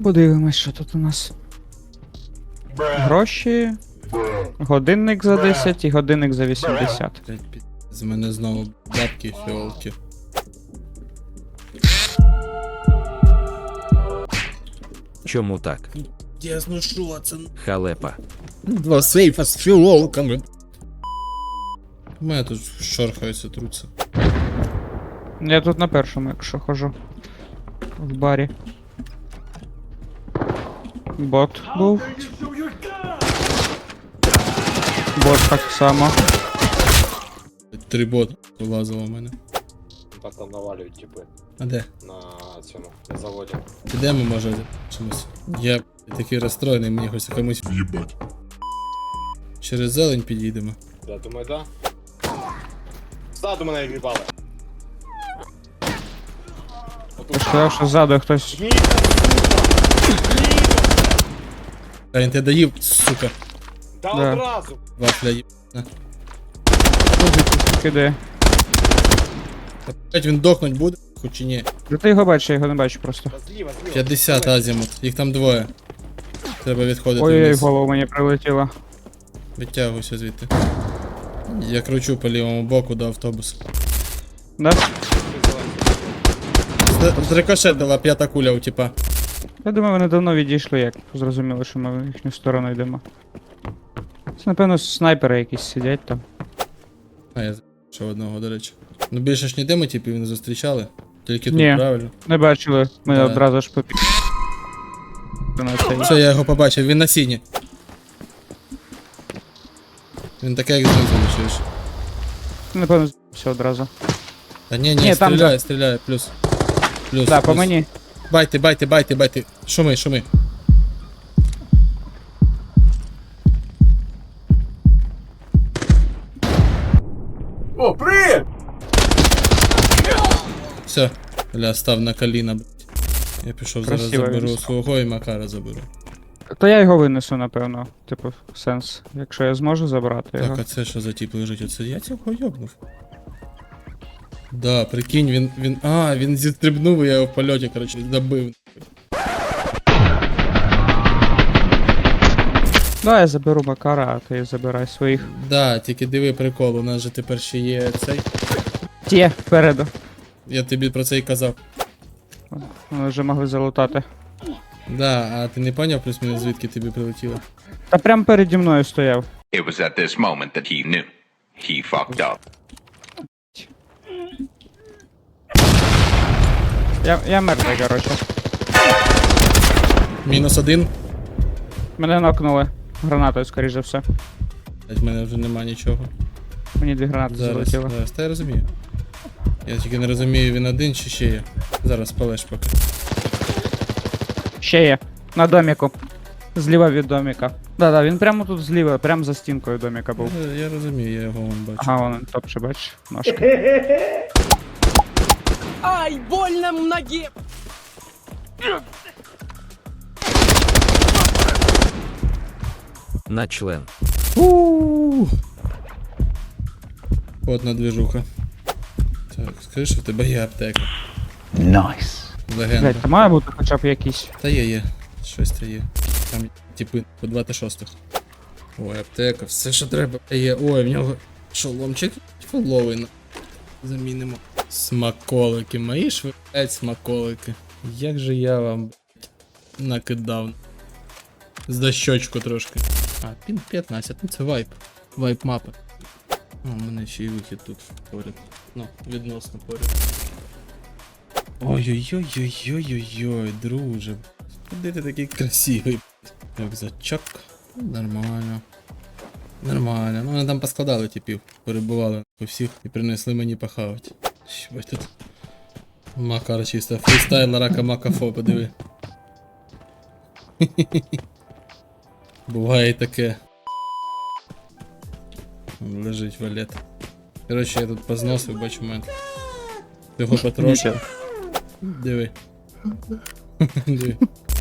Подивимось, що тут у нас. Гроші. Годинник за 10 і годинник за 80. З мене знову бабки фіолки. Чому так? Ясно, що це? Халепа. Два сейфа з фіолками. У мене тут шорхаються, труться. Я тут на першому, якщо хожу. В барі. Бот був. Бот так само. 3 боти вилазило в мене. Так там навалюють, типи, А де? на цьому, на заводі. Підемо, може, чомусь. Я такий розстроєний, мені хочеться комусь в'їбать. Через зелень підійдемо. Я думаю, да? Ззаду мене в'їбали. Я ж сказав, що ззаду хтось. А він тебе доїв, сука. Та Да. одразу! Вафля їб. Кидає. Опять він дохнуть буде, хоч і ні. Да ти його бачиш, я його не бачу просто. Та зліва. 50 азімут, їх там двоє. Треба відходити Ой-ой, в вниз. голову мені прилетіло. Витягуйся звідти. Я кручу по лівому боку до автобуса. Да? Зрикошетила 5-та куля у типа. Я думаю, вони давно відійшли, як зрозуміли, що ми в їхню сторону йдемо. Це, напевно, снайпери якісь сидять там. А я ще одного, до речі. Ну більше ж ніде ми типів не зустрічали. Тільки тут, Ні. правильно? Не бачили, ми Да. одразу ж попі... на цей. Все, я його побачив, він на сіні. Він таке як знизу чуєш. Напевно, все одразу. Та ні, Ні, там стріляє, стріляє, плюс. Плюс, Так, по плюс. мені. Байте. Шуми, шуми. О, привіт! Все, бля, став на коліна, блядь. Я пішов зараз Красиво заберу він. свого і Макара заберу. То я його винесу, напевно. Типу, сенс. Якщо я зможу забрати його. Так, а це що за тип лежить? Оце я цього йобнув. Да, прикинь, він зістрибнув, і я його в польоті, коротше, добив. Да, я заберу Макара, а ти забирай своїх. Да, тільки диви прикол, у нас же тепер ще є цей. Ті, впереду. Я тобі про це і казав. Вони вже могли залутати. Да, а ти не поняв плюс-мінус звідки тобі прилетіло? Та прям переді мною стояв. It was at this moment that he knew. He fucked up. Я мертвий, коротше. -1. Мене нокнули. Гранатою, скоріш за все. В мене вже нема нічого. Мені 2 гранати залетіло. Зараз, та я розумію. Я тільки не розумію, він один чи ще є. Зараз палеш поки. Ще є. На доміку. Зліва від доміка. Да, він прямо тут зліва, прямо за стінкою доміка був. Я розумію, я його вон бачу. Ага, вон топче, бачиш, ножки. Ай, больно в ноге! На член. Одна движуха. Так, скажи, що в тебе є аптека. Nice. Легенда. Блять, та має бути хоча б якийсь. Та є. Щось та є. Там типи по 26-х. Ой, аптека, все що треба. Є. Ой, в нього шоломчик фуловий. Замінимо. Смаколики. Мої ж ви, блядь, смаколики. Як же я вам, блядь, накидав. За щочку трошки. А, пін 15, ну це вайп. Вайп мапи. О, у мене ще й вихід тут поряд. Ну, відносно поряд. Ой-ой-ой-ой-ой-ой, друже. Куди ти такий красивий? Рюкзачок. Нормально. Нормально. Ну вони там поскладали типів. Перебували у всіх і принесли мені похавати. Що тут? Макар чисто. Фрістайл рака макафо, подиви. Буває і таке. Лежить валет. Коротше, я тут позносив, бачу в мене. Цього потрошку. Диви. Диви.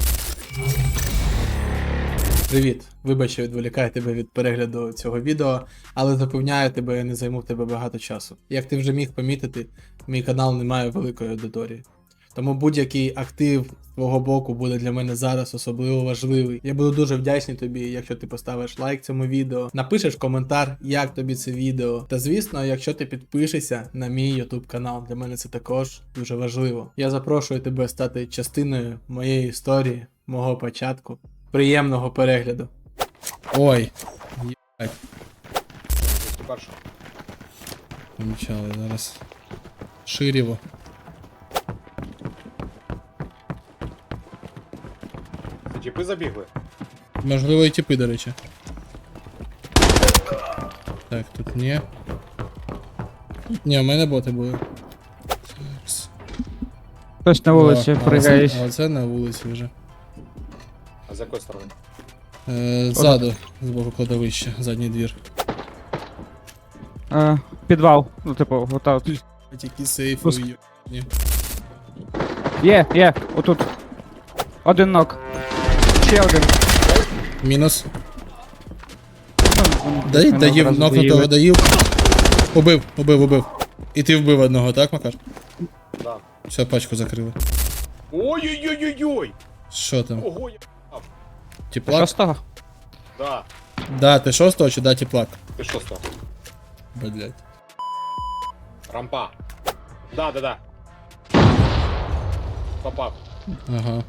Привіт! Вибач, що відволікаю тебе від перегляду цього відео, але запевняю тебе, я не займу в тебе багато часу. Як ти вже міг помітити, мій канал не має великої аудиторії. Тому будь-який актив з твого боку буде для мене зараз особливо важливий. Я буду дуже вдячний тобі, якщо ти поставиш лайк цьому відео, напишеш коментар, як тобі це відео. Та звісно, якщо ти підпишешся на мій YouTube канал, для мене це також дуже важливо. Я запрошую тебе стати частиною моєї історії, мого початку. Приємного перегляду. Ой, єбать. Перше. Помічали зараз. Ширіво. Це тіпи забігли. Можливо, і тіпи, до речі. Так, тут ні. Ні, у мене боти були. Такс. Хтось на вулиці О, пригає. А оце на вулиці вже. А з якої сторони? Ззаду, з боку кладовища, задній двір. Підвал. Ну, типу, ота от. Які сейфи Пуск. ні. Є, отут. Один нок. Ще один. Мінус. Ну, Дай, мене доїв, одразу нокнутого доїли. доїв. Убив. І ти вбив одного, так, Макар? Да. Все, пачку закрили. Ой-ой-ой-ой-ой! Що там? Ого, я... Теплак? Шостого? Да. Да, ти шостого чи да, теплак? Ти що став? Блять. Рампа. Да. Попав. Ага.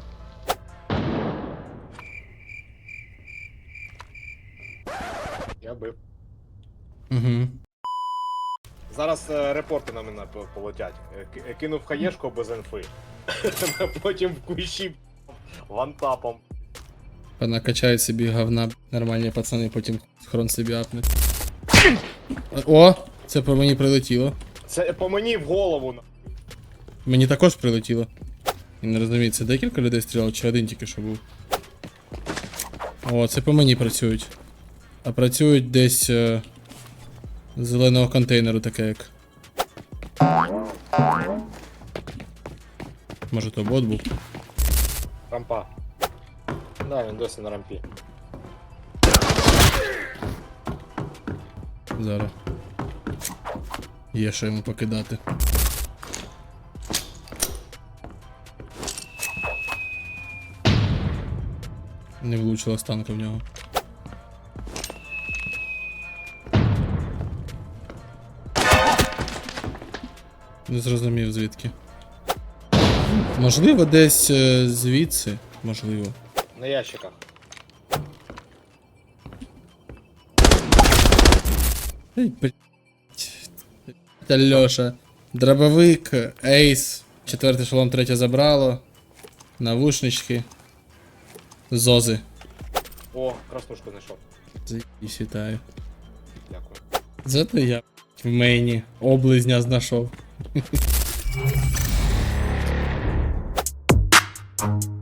Я бив. Угу. Зараз репорти на мене полетять. Кинув хаєшку без інфи. Потім в кущі вантапом. Понакачають собі говна, нормальні пацани, потім хрон собі апнуть. О! Це по мені прилетіло. Це по мені в голову. Мені також прилетіло. І не розумію, це декілька людей стріляло, чи один тільки що був. О, це по мені працюють. А працюють десь з зеленого контейнеру, таке як. Може то бот був? Рампа. Да, він досі на рампі. Зараз. Є що йому покидати. Не влучила станка в нього. Не зрозумів звідки. Можливо, десь звідси. Можливо. На ящиках. Ей, блять. Льоша. Дробовик, ейс. 4-й шолом, 3 забрало. Навушнички. Зози. О, краснушку знайшов. Заїбись, вітаю. Дякую. Зато я в мейні облизня знайшов.